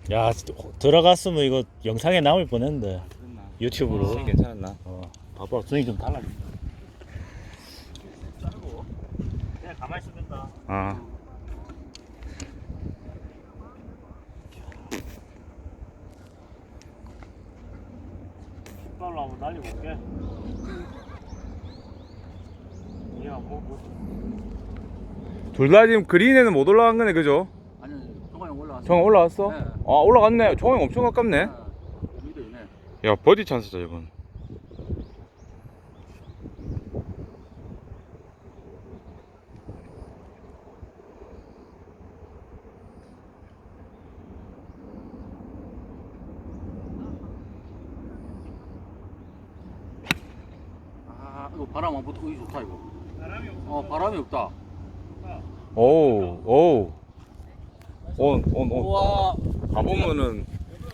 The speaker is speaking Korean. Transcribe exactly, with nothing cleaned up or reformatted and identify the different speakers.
Speaker 1: 야, 들어갔으면 이거 영상에 남을 뻔했는데. 유튜브로.
Speaker 2: 스윙 괜찮았나?
Speaker 1: 어, 봐봐, 스윙 좀 달라진다. 그냥 가만히 있으면 된다.
Speaker 2: 아.
Speaker 1: 킥발로 한번 날려볼게. 얘가 뭐, 뭐.
Speaker 2: 둘 다 지금 그린에는 못 올라간 거네, 그죠?
Speaker 3: 아니, 정화 형 올라왔어.
Speaker 2: 정 올라왔어?
Speaker 3: 네.
Speaker 2: 아, 올라갔네. 정황 엄청 가깝네.
Speaker 3: 미래네.
Speaker 2: 야, 버디 찬스다, 이건.
Speaker 3: 아, 이거 바람 안 붙고 이거 좋다 이거.
Speaker 1: 바람이 없어.
Speaker 3: 어, 바람이 없다.
Speaker 2: 오우, 오우. 온, 온, 온.
Speaker 3: 우와.
Speaker 2: 가보면은